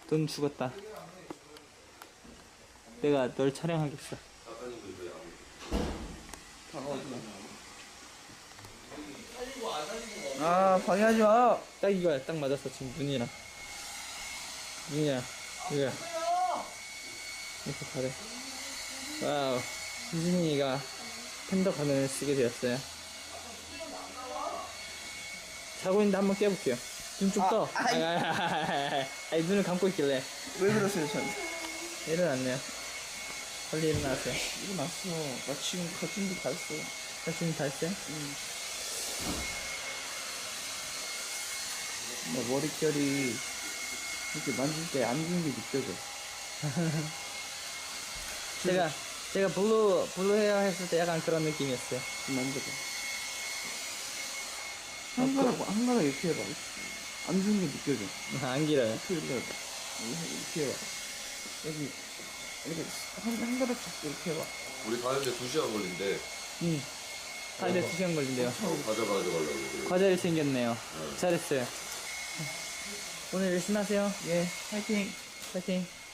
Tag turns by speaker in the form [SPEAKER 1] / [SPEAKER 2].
[SPEAKER 1] 돈 죽었다. 내가 널 촬영하겠어.
[SPEAKER 2] 아, 방해하지 마.
[SPEAKER 1] 딱 이거야. 딱 맞았어. 지금 눈이랑. 눈이야. 이거야. 이렇게 잘해. 와우. 유진이가 팬더 가면을 쓰게 되었어요. 자고 있는데 한번 깨볼게요. 눈 좀 떠. 아니, 눈을 감고 있길래.
[SPEAKER 2] 왜 그러세요, 전?
[SPEAKER 1] 일어났네요. 빨리 일어나세요.
[SPEAKER 2] 일어났어. 나 지금 가슴도 다 했어.
[SPEAKER 1] 지금 다 했어요?
[SPEAKER 2] 나 머릿결이 이렇게 만질 때 안 좋은 게 느껴져.
[SPEAKER 1] 제가 블루 헤어 했을 때 약간 그런 느낌이었어요.
[SPEAKER 2] 좀 만져봐. 한 가락 이렇게 해봐. 안 좋은 게 느껴져.
[SPEAKER 1] 안 길어요.
[SPEAKER 2] 이렇게 해봐. 이렇게 해봐. 여기, 이렇게 한 가락 잡고 이렇게 해봐.
[SPEAKER 3] 우리 가는데 2시간 걸린대.
[SPEAKER 1] 가는데 2시간 걸린대요.
[SPEAKER 3] 과자 가져가려고 그래.
[SPEAKER 1] 과자를 챙겼네요. 잘했어요. 오늘 열심히 하세요.
[SPEAKER 2] 예, 파이팅!
[SPEAKER 1] 파이팅.